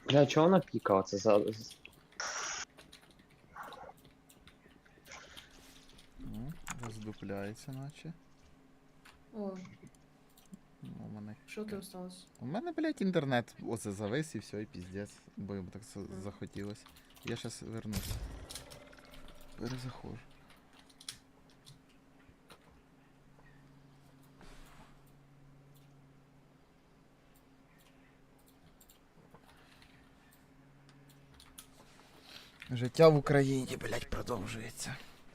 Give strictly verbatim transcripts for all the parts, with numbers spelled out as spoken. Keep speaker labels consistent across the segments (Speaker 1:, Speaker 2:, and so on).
Speaker 1: Бля, чого вона пікала? Це за...
Speaker 2: Ну, роздупляється наче.
Speaker 3: О,
Speaker 2: Ну, у мене...
Speaker 3: що ти осталось?
Speaker 2: У мене, блядь, інтернет оце завис і все, і піздець. Бо йому так за- захотілось. Я щас вернусь. Перезаходжу. Життя в Україні, блядь, продовжується.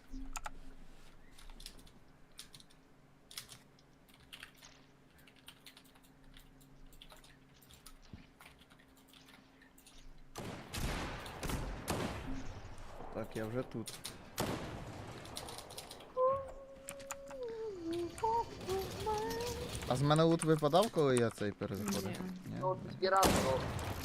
Speaker 2: Так, я вже тут. А з мене лут випадав, коли я цей перезаходив?
Speaker 3: Ні.
Speaker 2: Ні?
Speaker 1: Ну, збирав, ну.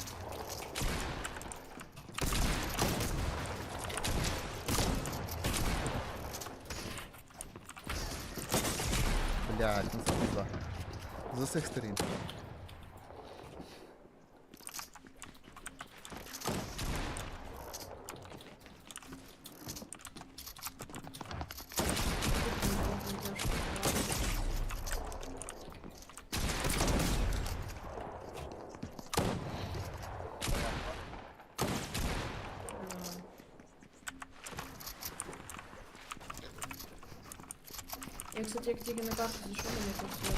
Speaker 2: Блядь, ну це пизда. З усіх сторін.
Speaker 3: Я, кстати, як тільки на карту зайшов, мені тут все.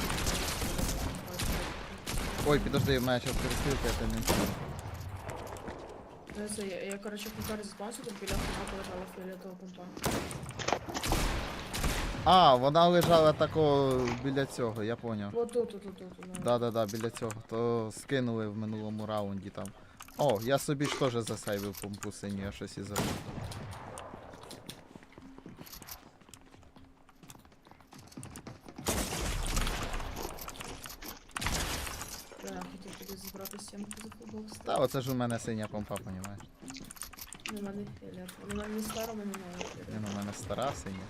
Speaker 2: Ой, підожди, в мене зараз перестрілка, я тебе не чую.
Speaker 3: Ну, це я, я, короче, в карті заспавнився, тут біля автомата лежала фіолетова помпа.
Speaker 2: А, вона лежала тако біля цього, я поняв.
Speaker 3: Вот тут, тут, тут, тут. ну.
Speaker 2: Да-да-да, біля цього. То скинули в минулому раунді там. О, я собі ж теж засейвив помпу синю, я щось і забув.
Speaker 3: Да, я хотів тобі забрати сімку за футбокс.
Speaker 2: Та оце ж у мене синя помпа, понімаєш?
Speaker 3: Ну, в мене фіолет. Ну, в мене не старо, в мене новий
Speaker 2: Ні,
Speaker 3: фіолет.
Speaker 2: ну у мене стара синя.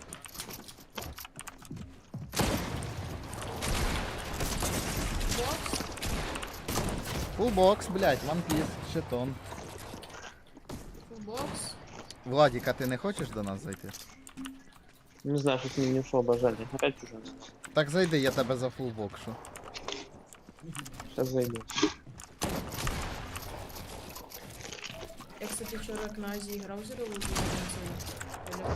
Speaker 3: Бокс?
Speaker 2: Фулбокс, блядь, ванпіс, щитон.
Speaker 3: Футбокс?
Speaker 2: Владік, а ти не хочеш до нас зайти?
Speaker 1: Не знаю, щось мені не вшло бажання. Опять чужа.
Speaker 2: Так зайди, я тебе за фулбокшу.
Speaker 1: Сейчас зайду.
Speaker 3: Я, кстати, вчора як на Азії грав зі ролою, я не знаю.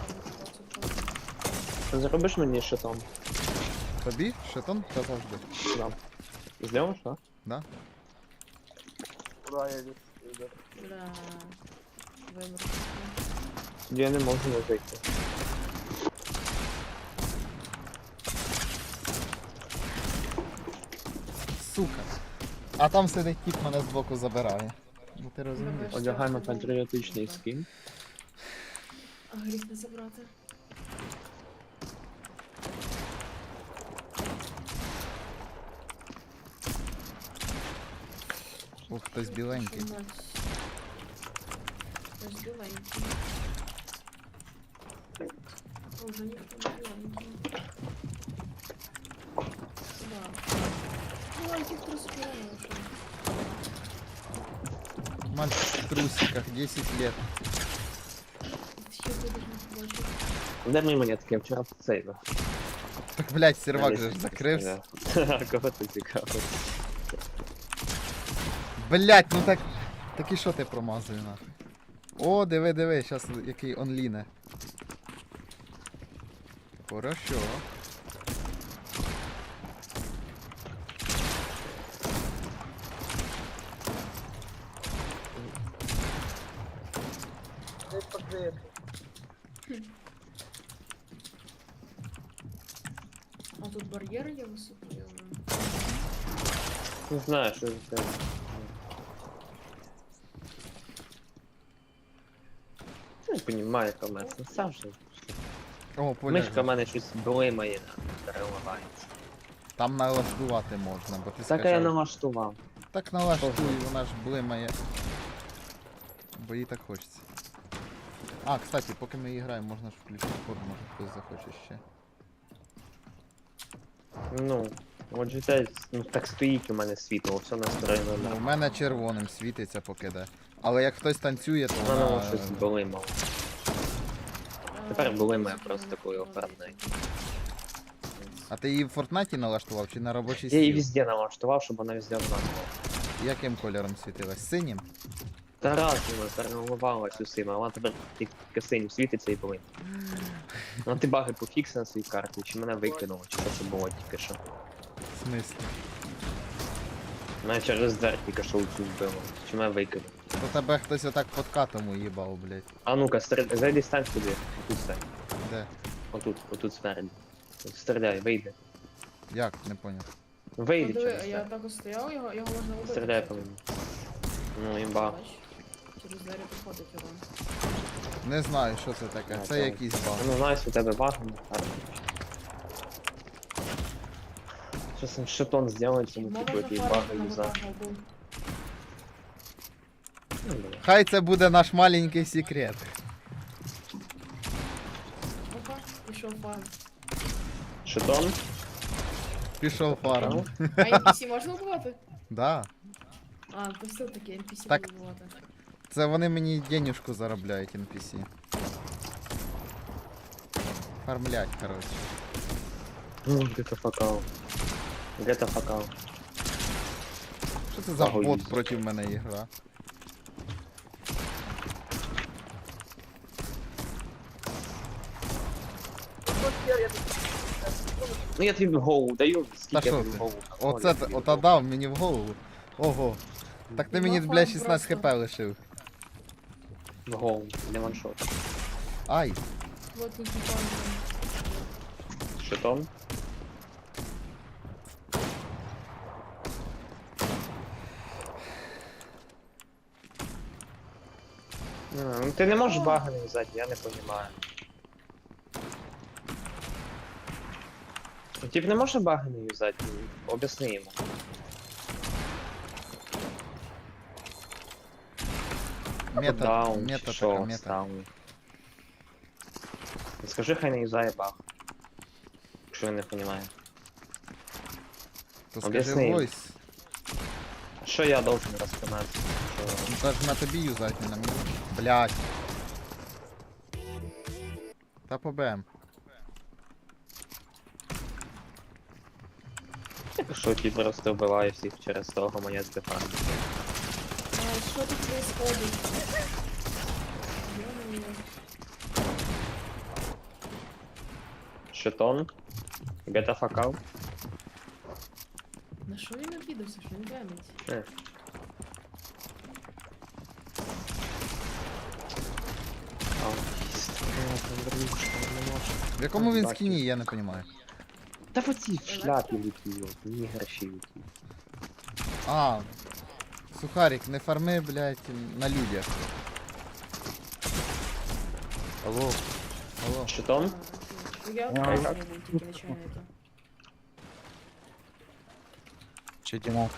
Speaker 1: Заробиш мені щитом?
Speaker 2: Тобі? Щитон? Та завжди.
Speaker 1: Да. Зліва, що?
Speaker 2: Да?
Speaker 1: Куда я йду?
Speaker 3: Бля. Вибор.
Speaker 1: Я не можу не зайти.
Speaker 2: Сука. А там сидить тіп, мене збоку забирає. Ну ти розумієш?
Speaker 1: Одягаємо патріотичний скін.
Speaker 3: А гріх не забрати.
Speaker 2: Ух, хтось біленький.
Speaker 3: Що мать? Хтось біленький. О, вже ніхто не біленький. Да. Біленьких розпіраємо, що?
Speaker 2: Мальчик в трусиках, десять лет.
Speaker 3: Ще ти даже не побачив.
Speaker 1: Де мої монетки? Я вчора сейвив.
Speaker 2: Так, блядь, сервак же ж закрився.
Speaker 1: А кого ти цікаво?
Speaker 2: Блядь, ну так... Так і що ти промазує нахуй? О, диви, диви, щас який онліне. Хорошо.
Speaker 3: А тут бар'єр є високий, але...
Speaker 1: Не знаю, що це. Я не розумію, комець. Ну сам же.
Speaker 2: О, поля.
Speaker 1: Мишка в мене щось блимає, переливається.
Speaker 2: Там налаштувати можна, бо ти
Speaker 1: Так я
Speaker 2: скачав.
Speaker 1: налаштував.
Speaker 2: Так налаштуй, вона ж блимає. Бо їй так хочеться. А, кстати, поки ми граємо, можна ж включити код, може хтось захоче ще.
Speaker 1: Ну, От же те, ну так стоїть у мене світло, все настроєно
Speaker 2: Ну,
Speaker 1: на.
Speaker 2: у мене червоним світиться поки де. Але як хтось танцює, то
Speaker 1: У мене воно
Speaker 2: вона...
Speaker 1: щось були мало. Тепер були ми просто коли оформляй.
Speaker 2: А ти її в Фортнаті налаштував чи на робочий
Speaker 1: Я її
Speaker 2: стіл?
Speaker 1: везде налаштував, щоб вона везде однакова.
Speaker 2: Яким кольором світилась? Синім?
Speaker 1: Та раз вона переливалась усіма, а вона тепер тільки синім світиться і були. Ну ти баги пофікси на своїй карті, чи мене викинуло, чи що це було тільки що.
Speaker 2: В смислі?
Speaker 1: Мене через двері тільки що цю вбило, чи мене викинуло.
Speaker 2: То тебе хтось отак под катом уїбав, блядь.
Speaker 1: А ну-ка, стріляй, зайди стань сюди, тут стань.
Speaker 2: Де?
Speaker 1: Отут, отут спереді. От стріляй, вийди.
Speaker 2: Як? Не поняв.
Speaker 1: Вийди
Speaker 3: Диви,
Speaker 1: через
Speaker 3: я
Speaker 1: двері.
Speaker 3: так ось стояв, його, його можна убити.
Speaker 1: Стріляй
Speaker 3: кстати.
Speaker 1: по мені. Ну, імба.
Speaker 3: Бач, через двері приходить його.
Speaker 2: Не знаю, що це таке.
Speaker 1: А,
Speaker 2: Це
Speaker 1: так.
Speaker 2: якийсь баг.
Speaker 1: Ну, знаєш, у тебе баги на карті. Щось там шитон зробити, тому
Speaker 3: Мова
Speaker 1: типу якісь
Speaker 3: зафарити
Speaker 1: баги
Speaker 3: на
Speaker 1: юза.
Speaker 3: ботах був.
Speaker 1: Ну, давай.
Speaker 2: Хай це буде наш маленький секрет.
Speaker 3: Опа, пішов фан.
Speaker 1: Шитон?
Speaker 2: Пішов фарм.
Speaker 3: А ен пі сі можна вбивати?
Speaker 2: Да.
Speaker 3: А, то все-таки ен пі сі
Speaker 2: Так.
Speaker 3: буде вбивати.
Speaker 2: Це вони мені денюжку заробляють ен пі сі. Фармлять, коротше.
Speaker 1: Ну, где-то факал. Где-то факал.
Speaker 2: Що це за
Speaker 1: Ага,
Speaker 2: бот
Speaker 1: їздить.
Speaker 2: проти мене ігра?
Speaker 1: Ну я тобі в голову даю,
Speaker 2: Та
Speaker 1: скільки я
Speaker 2: що
Speaker 1: тобі в
Speaker 2: ти?
Speaker 1: голову.
Speaker 2: Оце
Speaker 1: Ой,
Speaker 2: ота дав мені в голову. Ого. Так ти мені,
Speaker 3: Ну,
Speaker 2: блядь,
Speaker 3: фан
Speaker 2: шістнадцять
Speaker 3: просто.
Speaker 2: хп лишив.
Speaker 1: В голову, не ваншот.
Speaker 2: Ай.
Speaker 3: Вот тут фан.
Speaker 1: Шитон? А, ну ти не можеш баги не взяти, я не розумію. Тип не може баги не юзати, об'ясни йому.
Speaker 2: Мета,
Speaker 1: Даун,
Speaker 2: мета
Speaker 1: чи що,
Speaker 2: така, мета.
Speaker 1: даун. Скажи, хай не юзає баг. Якщо він не розуміє.
Speaker 2: То скажи
Speaker 1: Об'ясни.
Speaker 2: войс.
Speaker 1: Що я должен розпинатися? Що...
Speaker 2: Ну та ж на тобі юзать, не на мені. Блядь. Та по БМ.
Speaker 1: Що ті просто вбиває всіх через того монет дефан.
Speaker 3: А, що тут происходит? Ё-моё.
Speaker 1: Шитон. Гета факал.
Speaker 3: На що він обідався, що він гамить?
Speaker 1: Е. А,
Speaker 2: В якому він скіні, я не розумію.
Speaker 1: Та в оцій в шляпі летів, ні гроші летів.
Speaker 2: А. Сухарик, не фарми, блядь, на людях. Алло. Алло.
Speaker 1: Шитон?
Speaker 3: А, Я
Speaker 1: А,
Speaker 3: не
Speaker 1: як?
Speaker 3: був тільки нічого не то.
Speaker 4: Че Димон?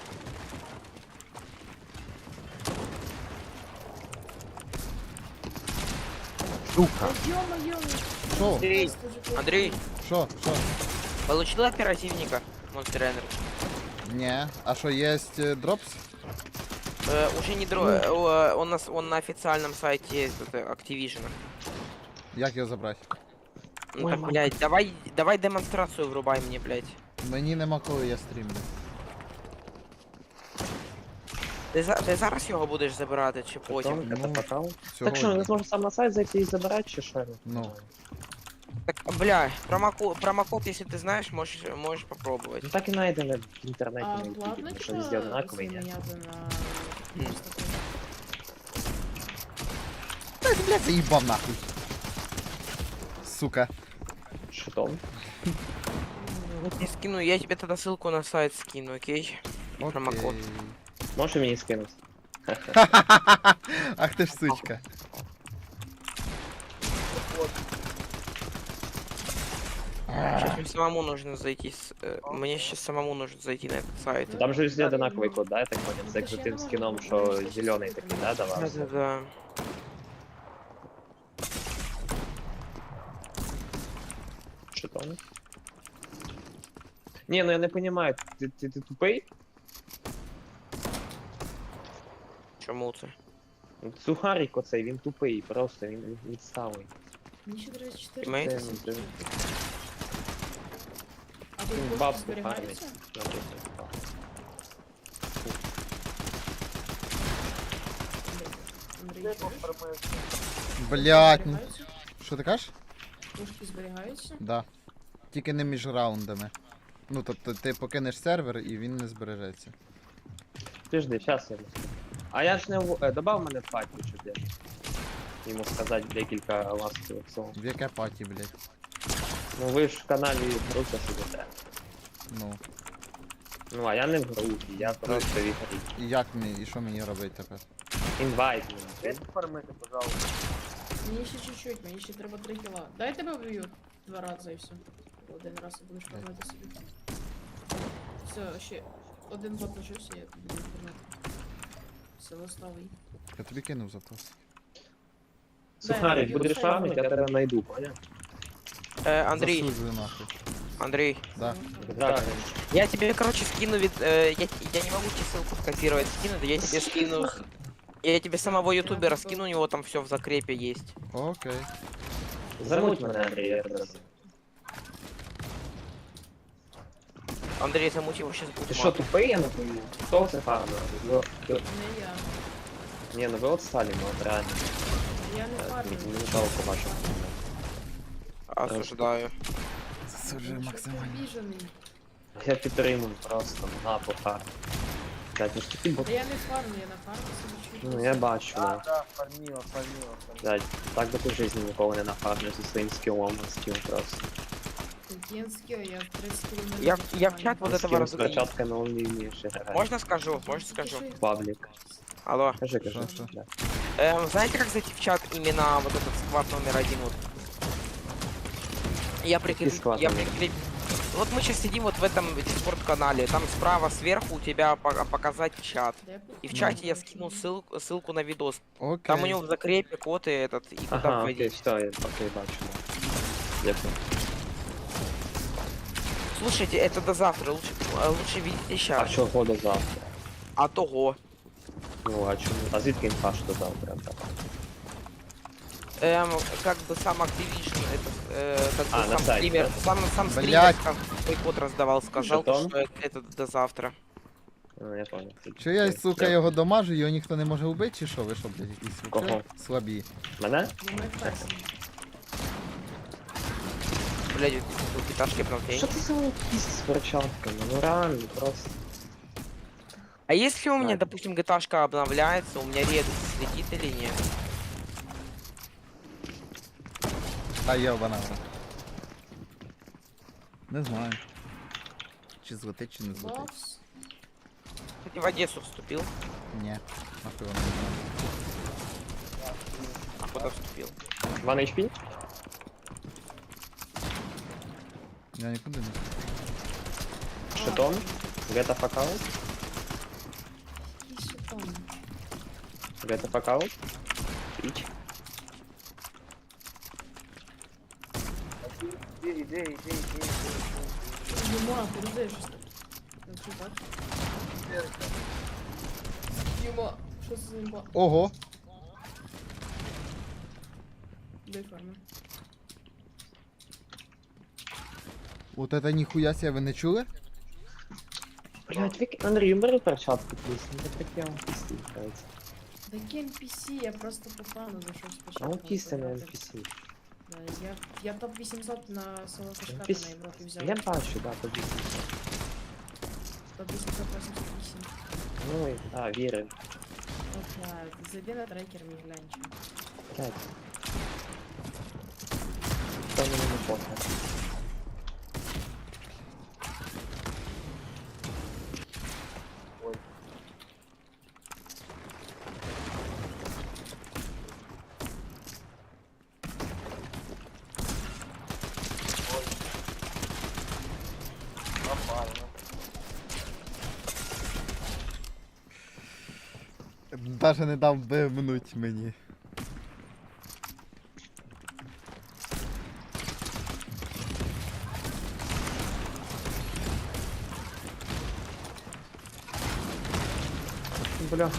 Speaker 3: А, ё-моё,
Speaker 2: Шо?
Speaker 5: Андрей,
Speaker 3: просто же плохо.
Speaker 5: Андрей,
Speaker 2: Шо? Шо?
Speaker 5: получил оперативника Monster Energy?
Speaker 2: Не. А що, є е, дропс?
Speaker 5: Э, уже не дро... э, он, нас, он на официальном сайте есть, это Activision.
Speaker 2: Як його забрати?
Speaker 5: Ну
Speaker 1: Ой,
Speaker 5: так,
Speaker 1: мама.
Speaker 5: блядь, давай, давай демонстрацию врубай мне, блядь.
Speaker 2: Мені нема коли я стрімлю.
Speaker 5: Ти, за... Ти зараз його будеш забирати чи потім?
Speaker 1: Шитон, гета
Speaker 2: Ну,
Speaker 1: факал. Так що,
Speaker 2: Сьогодні.
Speaker 1: не зможу сам на сайт зайти і забирати, чи що?
Speaker 2: Ну.
Speaker 5: Так, бля, промокод, промокод, если ты знаешь, можешь, можешь попробовать.
Speaker 1: Ну так і знайдено в інтернеті
Speaker 3: А
Speaker 1: на ютубі,
Speaker 3: платно
Speaker 1: тому що
Speaker 3: типа
Speaker 1: везде однаковий,
Speaker 3: це
Speaker 1: ні?
Speaker 3: міняти на...
Speaker 5: М.
Speaker 3: просто так?
Speaker 2: Та ти, блядь, заїбав нахуй. Сука.
Speaker 1: Шитон.
Speaker 5: Я скину, я тебе тогда ссылку на сайт скину, окей? Промокод.
Speaker 2: Окей.
Speaker 1: Можеш мені скинути?
Speaker 2: Ах ти ж сучка.
Speaker 5: Сейчас мне самому нужно зайти, с... э, мне сейчас самому нужно зайти на этот сайт.
Speaker 1: Там же везде одинаковий код, да, я так понял? Це як за тим скіном, що зелений такий, да, давався?
Speaker 5: Да-да-да.
Speaker 1: Шитон. Ні, ну я не розумію, ти, ти, ти тупий?
Speaker 5: Чому це?
Speaker 1: Сухарик оцей, він тупий, просто він він відсталий.
Speaker 3: Мені ще тридцять чотири.
Speaker 5: Тімейт?
Speaker 3: тридцять
Speaker 1: Це-
Speaker 3: сім.
Speaker 1: це-
Speaker 3: А тут
Speaker 1: Він
Speaker 3: кошти
Speaker 1: бабку
Speaker 3: зберігаються?
Speaker 1: фармить. Наприклад.
Speaker 3: Андрій, чуєш?
Speaker 2: Блять, ну.
Speaker 3: Зберігаються?
Speaker 2: Що ти кажеш?
Speaker 3: Кошти зберігаються?
Speaker 2: Да. Тільки не між раундами. Ну, тобто ти покинеш сервер і він не збережеться.
Speaker 1: Подожди, сейчас я розкажу. А я ж не в... е, добав мене в паті, щоб я йому сказати декілька ласкових слов.
Speaker 2: В яке паті, блять?
Speaker 1: Ну ви ж в каналі Груся сидите.
Speaker 2: Ну.
Speaker 1: Ну а я не в групі, я просто в ігрі.
Speaker 2: І як мені, і що мені робити тепер?
Speaker 1: Інвайт мені.
Speaker 3: Мені ще чуть-чуть, мені ще треба три кіла. Дай тебе вб'ю два рази і все. Один раз і будеш фармити собі. Все, ще один бот лишився, я буду фармити. Все, ластовий.
Speaker 2: Я тобі кинув запрос.
Speaker 1: Сухарик,
Speaker 3: Дай,
Speaker 1: будеш
Speaker 3: Юрій,
Speaker 1: фармити, я
Speaker 3: Юрій.
Speaker 1: тебе знайду, поняв?
Speaker 5: Е, Андрій,
Speaker 2: Засуджую нахуй.
Speaker 5: Андрій,
Speaker 2: Да.
Speaker 1: Так.
Speaker 5: я тебе, короче, скину вид... э, я, я не могу тебе ссылку скопировать, скинуть, я тебе скину... Я тебе самого ютубера скину, у него там все в закрепе есть.
Speaker 2: Окей.
Speaker 1: Замуть мене, Андрій, я тебе.
Speaker 5: Андрей, замути его сейчас
Speaker 1: Ти
Speaker 5: будет
Speaker 1: що,
Speaker 5: мат.
Speaker 1: тупий, я не пойму? Хто це фармив? Ну, ти-
Speaker 3: Не я.
Speaker 1: Ні, ну ви от сталі, ну от реально.
Speaker 3: Я не
Speaker 1: Е,
Speaker 3: фармлю.
Speaker 1: Мені жалко вашого.
Speaker 5: Осуждаю.
Speaker 2: Засуджую максимально.
Speaker 3: Обіжений.
Speaker 1: Я підтримую просто, на по фарму. Блять, ну ж такі бо...
Speaker 3: Та я не фармлю, я на фармі собі чуть.
Speaker 1: Ну я бачу,
Speaker 4: Да,
Speaker 1: да.
Speaker 4: да, фармила, фармила, фармила.
Speaker 1: Блять, так би ти в житті ніколи не нафармив зі своїм скілом на скіл просто.
Speaker 3: Такий скіл, я тридцять кілометрів.
Speaker 5: Я, в- я в чат вот этого
Speaker 1: Скіл з
Speaker 5: раза...
Speaker 1: перчатками он не вмієш грати.
Speaker 5: Можно скажу? Можно скажу?
Speaker 1: Паблік.
Speaker 5: Алло.
Speaker 1: Кажи, кажи.
Speaker 2: Що, що?
Speaker 1: Да.
Speaker 5: Эм, знаете, как зайти в чат именно вот этот сквад номер один? Вот. Я прикреп...
Speaker 1: сквад
Speaker 5: Я
Speaker 1: номер?
Speaker 5: прикреп... Вот мы сейчас сидим вот в этом дискорд-канале. Там справа сверху у тебя по- показать чат. И в
Speaker 2: Ну.
Speaker 5: чате я скинул ссылку, ссылку на видос.
Speaker 2: Окей.
Speaker 5: Там у него в закрепе код и этот, и куда
Speaker 1: Ага, окей,
Speaker 5: вводить.
Speaker 1: все, я окей, бачу. да. Дякую.
Speaker 5: Слушайте, это до завтра. Лучше, э, лучше видите
Speaker 1: А
Speaker 5: сейчас.
Speaker 1: чого до завтра?
Speaker 5: А того.
Speaker 1: Ну, а чому? А звідки інфа, що до завтра? Так.
Speaker 5: Эм, как бы сам Activision, это, э, как бы
Speaker 1: А, на
Speaker 5: сам
Speaker 1: сайте,
Speaker 5: стример,
Speaker 1: да?
Speaker 5: сам, сам стример
Speaker 2: Блядь.
Speaker 5: сам свой код раздавал, сказал,
Speaker 1: Жетон?
Speaker 5: что это, это до завтра.
Speaker 1: Ну, я понял.
Speaker 2: Чи я, сука,
Speaker 1: Дякую.
Speaker 2: його домажу, його ніхто не може вбити, чи що? Ви що, блядь, якісь
Speaker 1: Кого?
Speaker 2: вообще слабі?
Speaker 1: Мене?
Speaker 3: Ну, ми фарсимо.
Speaker 5: Блядь, вот пяташки прям
Speaker 1: Що це за якісь з перчатками? Ну реально, просто.
Speaker 5: А если у меня,
Speaker 1: Так.
Speaker 5: допустим, гташка обновляется, у меня редус слетит или нет?
Speaker 2: Та йобана. вона. Не знаю. Чи злетить, чи не злетить.
Speaker 3: Бокс.
Speaker 5: Кстати, в Одессу вступил.
Speaker 2: Ні. Нахуй воно не знаю.
Speaker 5: А куда вступил?
Speaker 1: Ван ейч пі?
Speaker 2: Я нікуди не.
Speaker 1: Шитон? Get of account?
Speaker 3: Який шитон?
Speaker 1: Get of account? Піч?
Speaker 4: Иди, иди, иди, иди, иди.
Speaker 3: Юма, передай щось так. Я чую, бачу. Юма, що це за імба?
Speaker 2: Ого!
Speaker 3: Дай фарми.
Speaker 2: От это ніхуя себе, ви не чули?
Speaker 1: Блять, вик... Андрій, бери перчатку, плюс. Ну так я вам пісні, кажеться.
Speaker 3: Такі ен пі сі, я просто по фану зайшов
Speaker 1: А
Speaker 3: спочатку.
Speaker 1: он пісня на
Speaker 3: пограти.
Speaker 1: ен пі сі.
Speaker 3: Да, Я, я топ вісімсот на село Кашката
Speaker 1: Піс-
Speaker 3: на Європі взяв.
Speaker 1: Я бачу, да, тобі.
Speaker 3: топ вісімсот вісімдесят вісім.
Speaker 1: Ну, і- а, вірю.
Speaker 3: Опа, зайди на трекер, мій глянь. чё.
Speaker 1: Блять. Що мені не похуй.
Speaker 2: Даже не дав бивнуть мені.
Speaker 1: бля.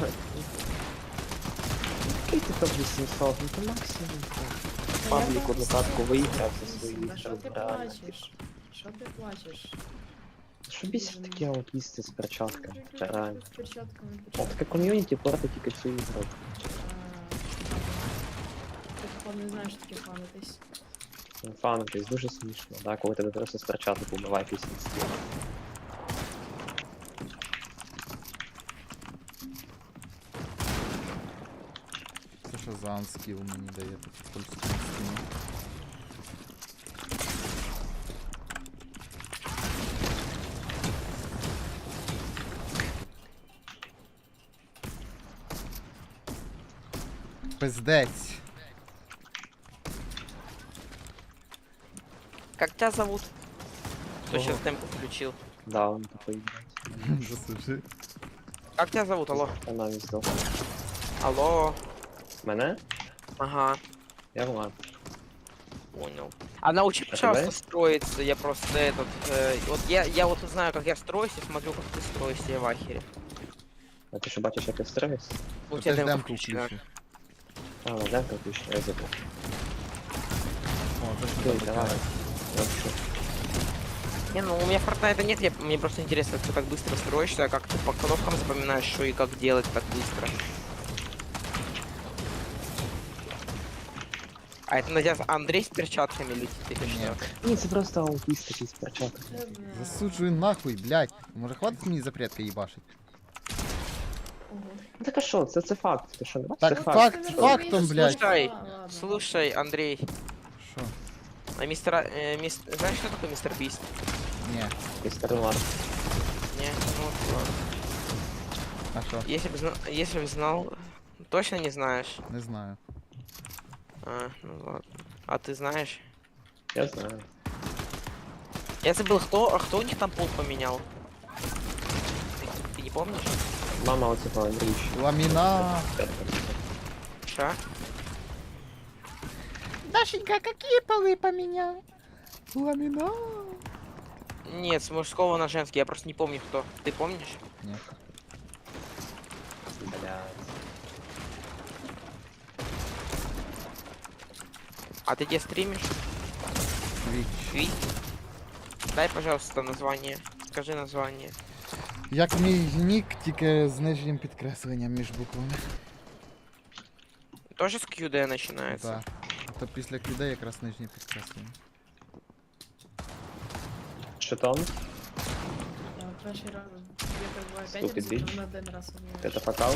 Speaker 1: Який ти топ вісімсот? Ну то максимум. Паблік одну катку виіграв за свої
Speaker 3: Та що ти
Speaker 1: реально.
Speaker 3: плачеш? Що ти плачеш?
Speaker 1: Що бісить таке от їсти з перчатками? Це реально.
Speaker 3: З перчатками,
Speaker 1: О,
Speaker 3: перчатками.
Speaker 1: таке ком'юніті портить тільки цю ігру.
Speaker 3: А, Ти походу не знаєш, що таке фанитись.
Speaker 1: Фанитись дуже смішно, да? Коли тебе просто з перчаток убиває після стіл.
Speaker 2: Це що за анскіл мені дає тут польську стіну. Пиздець.
Speaker 5: Как тебя зовут? Кто
Speaker 2: Ого.
Speaker 5: сейчас темп включил?
Speaker 1: Да, он такой играет.
Speaker 2: Засуши.
Speaker 5: Как тебя зовут, алло?
Speaker 1: Вона не здох.
Speaker 5: Алло.
Speaker 1: Мене?
Speaker 5: Ага,
Speaker 1: Я Влад.
Speaker 5: понял. А научи,
Speaker 1: А
Speaker 5: пожалуйста,
Speaker 1: давай?
Speaker 5: строиться. Я просто этот... э, вот я, я вот знаю, как я строюсь, и смотрю, как ты строишься, я в ахере.
Speaker 1: А ти що бачиш, як я строюсь?
Speaker 5: У
Speaker 2: Ти
Speaker 5: тебя
Speaker 2: ж
Speaker 5: демка
Speaker 2: демку
Speaker 5: включена.
Speaker 2: включив.
Speaker 1: А, ну демка включена, я забув.
Speaker 2: О, це що
Speaker 1: Окей,
Speaker 2: таке?
Speaker 1: давай. Вообще.
Speaker 5: Не, ну у меня Fortnite нет, я, мне просто интересно, как ты так быстро строишься, как ты по кнопкам запоминаешь, что и как делать так быстро. А это на тебя Андрей с перчатками летит или
Speaker 2: Ні.
Speaker 5: что?
Speaker 1: Ні, це просто аутист такий з перчаток.
Speaker 3: Це, бля,
Speaker 2: Засуджую нахуй, блядь. Може хватить мені запретки їбашить?
Speaker 3: ого.
Speaker 1: Ну так а що, це, це факт, ти що не бачиш?
Speaker 2: Так,
Speaker 1: Це
Speaker 2: факт.
Speaker 1: факт.
Speaker 3: Ти не
Speaker 2: фактом,
Speaker 3: розумієш,
Speaker 2: блядь.
Speaker 5: Слушай,
Speaker 3: ладно, ладно.
Speaker 5: Слушай, Андрей,
Speaker 2: Що?
Speaker 5: а мистер, э, мис- знаешь, что такое мистер Бист?
Speaker 2: Ні.
Speaker 1: Містер Нуар.
Speaker 5: Не, ну вот ладно.
Speaker 2: А що?
Speaker 5: Если бы, зна- если бы знал, точно не знаешь.
Speaker 2: Не знаю.
Speaker 5: А, ну ладно. А ты знаешь?
Speaker 1: Я знаю.
Speaker 5: Я забыл, кто, а кто у них там пол поменял? Ты, ты не помнишь?
Speaker 1: Мама оцього Андрійовича.
Speaker 2: Ламіна.
Speaker 5: Ша?
Speaker 2: Дашенька, какие полы поменял? Ламіна.
Speaker 5: Нет, с мужского на женский, я просто не помню кто. Ты помнишь?
Speaker 2: Ні.
Speaker 1: Блядь.
Speaker 5: А ты где стримишь?
Speaker 2: Твіч.
Speaker 5: Твич? Дай, пожалуйста, название. Скажи название.
Speaker 2: Як мій нік, тільки з нижнім підкресленням між буквами.
Speaker 5: Тоже с кью ди начинается?
Speaker 2: Так. То після людей якраз нижнє підкреслення.
Speaker 1: Що там?
Speaker 3: Я перший раз, я так буваю п'ять
Speaker 1: Ступid
Speaker 3: разів,
Speaker 1: bitch.
Speaker 3: на один раз умієш.
Speaker 1: Это факал?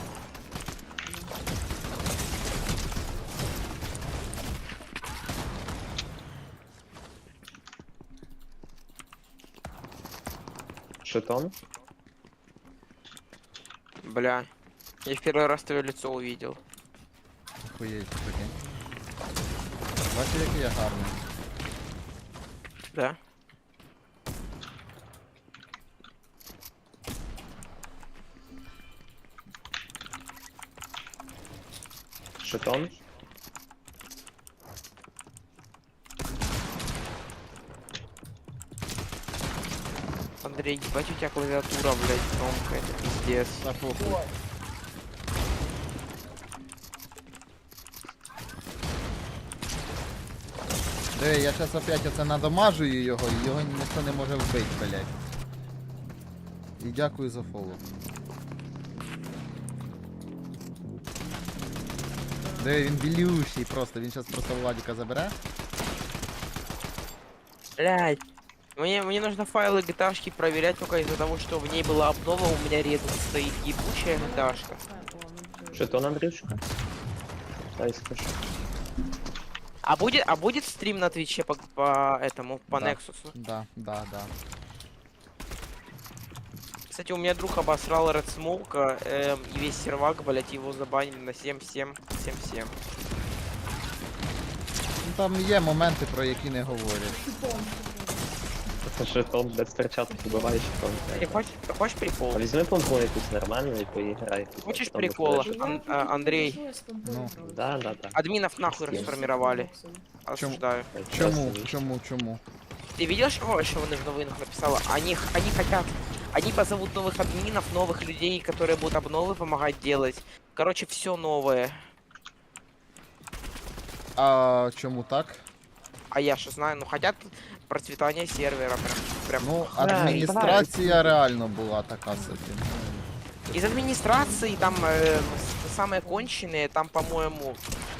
Speaker 1: Шитон?
Speaker 5: Бля. Я в первый раз твое лицо увидел.
Speaker 2: Охуєть, прикинь. Бачиш, який я гарний.
Speaker 5: Да?
Speaker 1: Шитон?
Speaker 5: Андрей, ебать у тебя клавиатура, блядь, громкая, это пиздец.
Speaker 2: Та похуй. Диви, я зараз опять оце надамажую його, і його ніхто не може вбити, блядь. І дякую за фоллоу. Диви, він білющий просто, він зараз просто Владіка забере.
Speaker 5: Блядь. Мне, мне нужно файлы гиташки проверять только из-за того, что в ней была обнова, у меня рядом стоит ебучая гиташка.
Speaker 3: О, ну, ти-
Speaker 1: Шитон, Андрюшка? Дай скажу.
Speaker 5: А будет, а будет стрим на Твиче по, по этому, по
Speaker 2: Да.
Speaker 5: Nexus?
Speaker 2: Да, да, да.
Speaker 5: Кстати, у меня друг обосрал Red Smoke, эм, и весь сервак, блять, его забанили на семь семь семь семь.
Speaker 2: Ну там є моменти, про які не говорять.
Speaker 3: Шипом, шипом.
Speaker 1: Шитон без перчаток убиває шитон.
Speaker 5: Ты хочешь, ты хочешь прикол?
Speaker 1: А візьми помпу якусь нормальну і поіграй.
Speaker 5: Хочеш
Speaker 1: Там
Speaker 5: прикола?
Speaker 1: буде шитон.
Speaker 5: Ан- а, Андрей.
Speaker 3: Ну, я з помпою
Speaker 2: Ну.
Speaker 3: грав.
Speaker 1: Да, да, да.
Speaker 5: Админов нахуй
Speaker 1: Yes.
Speaker 5: расформировали. Осуждаю.
Speaker 2: Чому? Чому? Чому?
Speaker 5: Ты видел, что, что вони в новинах написала? Они, х- они хотят Они позовут новых админов, новых людей, которые будут обновы помогать делать. Короче, все новое.
Speaker 2: А чому так?
Speaker 5: А я что знаю, ну хотят процветания сервера. Прям, прям.
Speaker 2: Ну,
Speaker 1: Да,
Speaker 2: адміністрація реально була така собі.
Speaker 5: Из администрации там э, с- самые конченые, там, по-моему,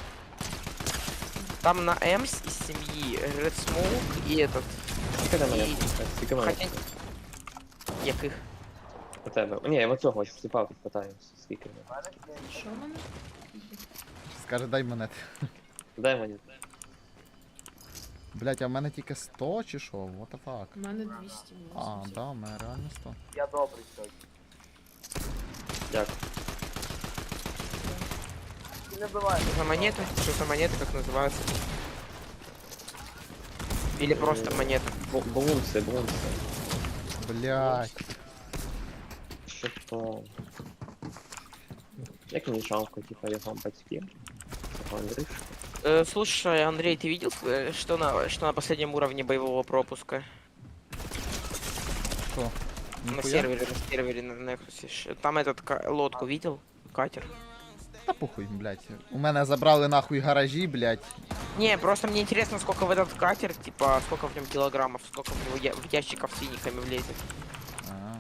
Speaker 5: там на Эмс из семьи Red Smoke и этот.
Speaker 1: Скільки там мене?
Speaker 5: І-
Speaker 1: Скільки мене?
Speaker 5: Хотя... Яких?
Speaker 1: У тебе. Ні, я в цього сліпав тут питаю. Скільки в мене?
Speaker 3: Що в мене?
Speaker 2: Скаже, дай монет.
Speaker 1: Дай мені.
Speaker 2: Блять, а в мене тільки сто чи що? What the fuck?
Speaker 3: У мене двісті
Speaker 2: А,
Speaker 3: вісімдесят.
Speaker 2: да, у мене реально сто.
Speaker 4: Я добрий сьогодні.
Speaker 1: Дякую.
Speaker 4: Ти не буває.
Speaker 5: Что за монеты? Что за монеты, как называются? Или просто монеты?
Speaker 1: Бу- Бунси, бунси.
Speaker 2: Блять.
Speaker 1: Що то? Як мені жалко, типа, його батьків? Цього Андрюшка.
Speaker 5: Э, слушай, Андрей, ты видел, э, что на, что на последнем уровне боевого пропуска?
Speaker 2: Що?
Speaker 5: На
Speaker 2: Ніхуя?
Speaker 5: сервере, на сервере, на Nexus. Ш- Там этот ка- лодку видел? Катер?
Speaker 2: Та похуй, блять. У мене забрали нахуй гаражі, блять.
Speaker 5: Не, просто мне интересно, сколько в этот катер, типа, сколько в нем килограммов, сколько в него я- в ящиков с синиками влезет.
Speaker 2: А,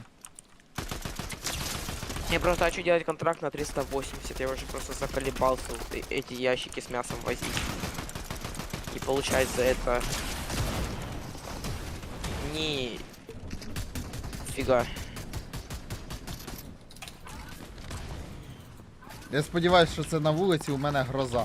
Speaker 5: Я просто хочу делать контракт на триста восемьдесят, я уже просто заколебался вот э- эти ящики с мясом возить. И получать за это... Ни... Фига.
Speaker 2: Я сподіваюся, що це на вулиці у мене гроза.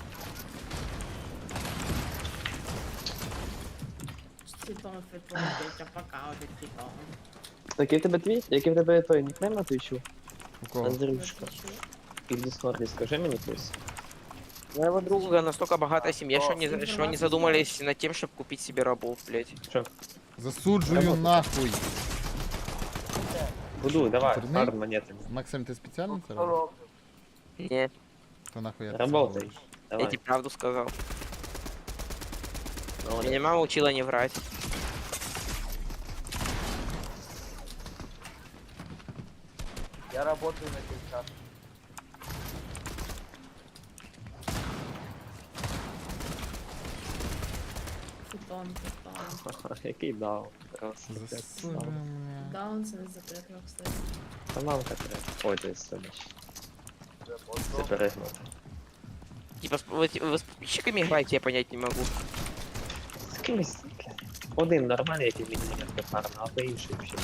Speaker 3: Світом, світом, дитя, пока, один типа.
Speaker 1: Який в тебе твій? Який в тебе той нікнейм на твічу?
Speaker 2: У кого?
Speaker 1: Андрюшка. І в Дискорді скажи мені хтось.
Speaker 5: У моего друга настолько богатая семья, что они,
Speaker 3: О,
Speaker 5: что они задумались над тем, чтобы купить себе рабов, блядь.
Speaker 1: Що?
Speaker 2: Засуджую
Speaker 1: Работай.
Speaker 2: нахуй.
Speaker 1: Будуй, давай,
Speaker 2: Турний?
Speaker 1: пар монетами.
Speaker 2: Максим, ти спеціально це
Speaker 4: Що
Speaker 2: робиш?
Speaker 4: роблю?
Speaker 5: Не,
Speaker 2: То нахуй я це
Speaker 1: Работай.
Speaker 2: роблю?
Speaker 5: я
Speaker 1: Давай.
Speaker 5: тебе правду сказал.
Speaker 1: Молодець.
Speaker 5: Меня мама учила не врать.
Speaker 4: Я работаю на кілька.
Speaker 3: Футон, футон.
Speaker 1: Ха-ха, який дав. Раз,
Speaker 2: Засуджую. мене.
Speaker 3: Даун це не запрятано, кстати.
Speaker 1: Та мамка треба. Ой, ти сидиш. Це перегнув.
Speaker 5: Типа, с- вы, вы с подписчиками играете, я понять не могу.
Speaker 1: З кимось. Один нормальний, який мені не гарно, а то інший взагалі.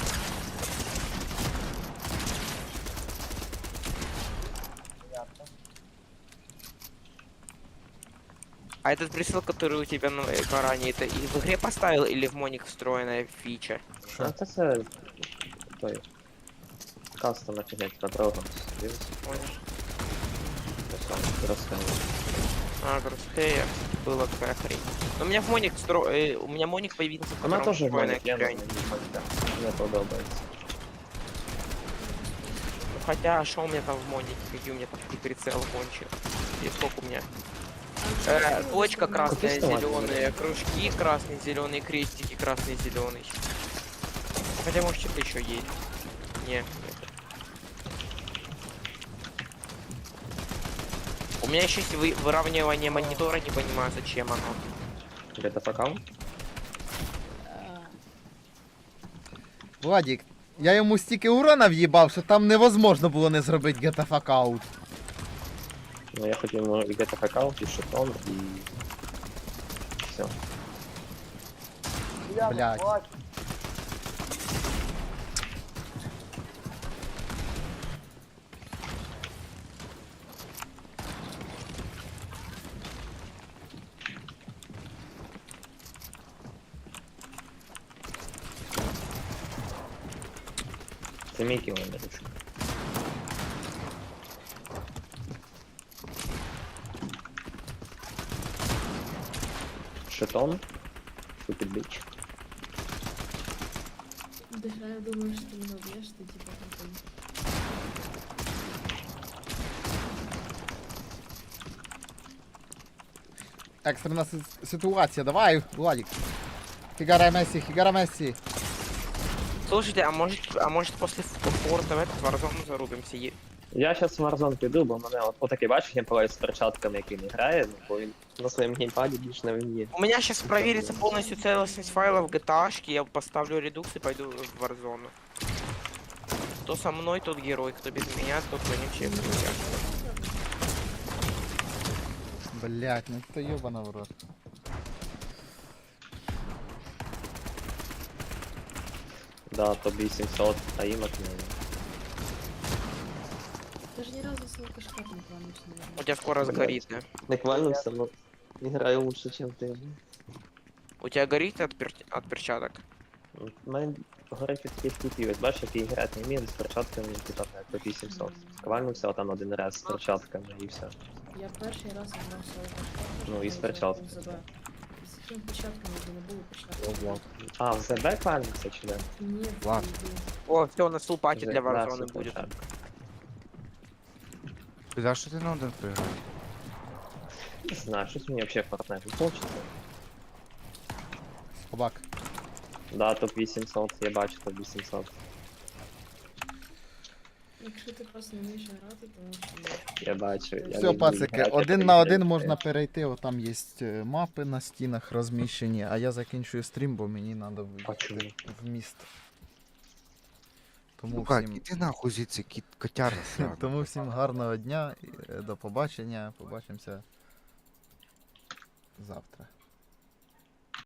Speaker 5: А этот прицел, который у тебя на экране, это и в игре поставил или в моник встроенная фича?
Speaker 1: А це це той. Кастом офігеть на другому. Дивись,
Speaker 5: Понял.
Speaker 1: ось там розказую.
Speaker 5: А, Crosshair. Была такая хрень. Но у меня в моник встро... э, у меня моник появился в
Speaker 1: У мене
Speaker 5: котором
Speaker 1: теж
Speaker 5: встроенная
Speaker 1: гонить, я не
Speaker 5: хрень.
Speaker 1: знаю. Мені подобається.
Speaker 5: Ну, хотя, а что у меня там в монике? Какие у меня там прицел кончил? И сколько у меня? Э, точка красная,
Speaker 1: Купи
Speaker 5: зеленые, кружки красный, зеленый, крестики красный, зеленый. Хотя может что-то еще есть. Не. нет. У меня еще есть вы- выравнивание монитора, не понимаю зачем оно.
Speaker 1: Где-то факал?
Speaker 3: Е,
Speaker 2: Владік, я йому стільки урона в'їбав, що там невозможно було не зробити get the fuck out.
Speaker 1: Ну я хотів ну, і где-то факал, і шитон, і... Все.
Speaker 4: Я
Speaker 2: Блядь.
Speaker 4: не плачу.
Speaker 1: Це мій кіл, Андрюшка. Шитон. Stupid bitch.
Speaker 3: Дыша, я думаю, что ты меня убьешь, ты типа там.
Speaker 2: Екстрена си- ситуація, давай, Владік. Хігара Месі, Хігара Месі.
Speaker 5: Слушайте, а может, а может после форта в этот Warzone зарубимся? Е-
Speaker 1: Я зараз в Warzone піду, бо в мене от, отакий бачиш геймплей з перчатками, який не грає, ну, бо він на своєму геймпаді більш не вміє.
Speaker 5: У меня сейчас проверится полностью целостность файлов джи ти эй-шки, я поставлю редукс и пойду в Warzone. Кто со мной, тот герой, кто без меня, тот вонючий.
Speaker 2: Блять, ну ты ёбана в рот.
Speaker 1: Да, топ вісімсот, а їм отмінно.
Speaker 3: Ти ж ні разу з алкашка не плануєш,
Speaker 5: У
Speaker 3: наверное.
Speaker 5: тебя скоро сгорит, да?
Speaker 1: Не квальнувся, но не граю лучше, ніж ти.
Speaker 5: У тебя горит от, пер- от перчаток?
Speaker 1: У мене горить від таких типів, ось бачиш, який грати не вміє з перчатками, типа так, топ вісімсот. Квальнувся там один раз з перчатками і все.
Speaker 3: Я перший раз грав з алкашка.
Speaker 1: Ну, і з перчатками.
Speaker 3: З якими перчатками вже не було
Speaker 1: Ну,
Speaker 3: перчатки.
Speaker 1: вот. А, в ЗБ квальнувся чи де?
Speaker 3: Ні,
Speaker 2: Ладно.
Speaker 5: О, все, у нас лупати
Speaker 1: Вже-
Speaker 5: для
Speaker 1: да,
Speaker 5: Warzone
Speaker 1: все
Speaker 5: будет.
Speaker 1: перчатки.
Speaker 6: За що ти на один проіграв?
Speaker 1: Не знаю, щось мені взагалі Fortnite не хочеться.
Speaker 2: Собак.
Speaker 1: Да, топ вісімсот, я бачу топ вісімсот.
Speaker 3: Якщо ти просто не вмієш грати, то що
Speaker 1: Я бачу. Я
Speaker 2: Все,
Speaker 1: люблю
Speaker 2: пацики,
Speaker 1: грати,
Speaker 2: один
Speaker 1: я
Speaker 2: на
Speaker 1: люблю
Speaker 2: один
Speaker 1: грати.
Speaker 2: можна перейти, от там є е, мапи на стінах розміщені, а я закінчую стрім, бо мені треба
Speaker 1: А чому?
Speaker 2: в міст. Тому
Speaker 6: Ну как,
Speaker 2: всім,
Speaker 6: іди нахуй звідси, кіт котяра сраний.
Speaker 2: тому всім гарного дня, і, е, до побачення, побачимося завтра.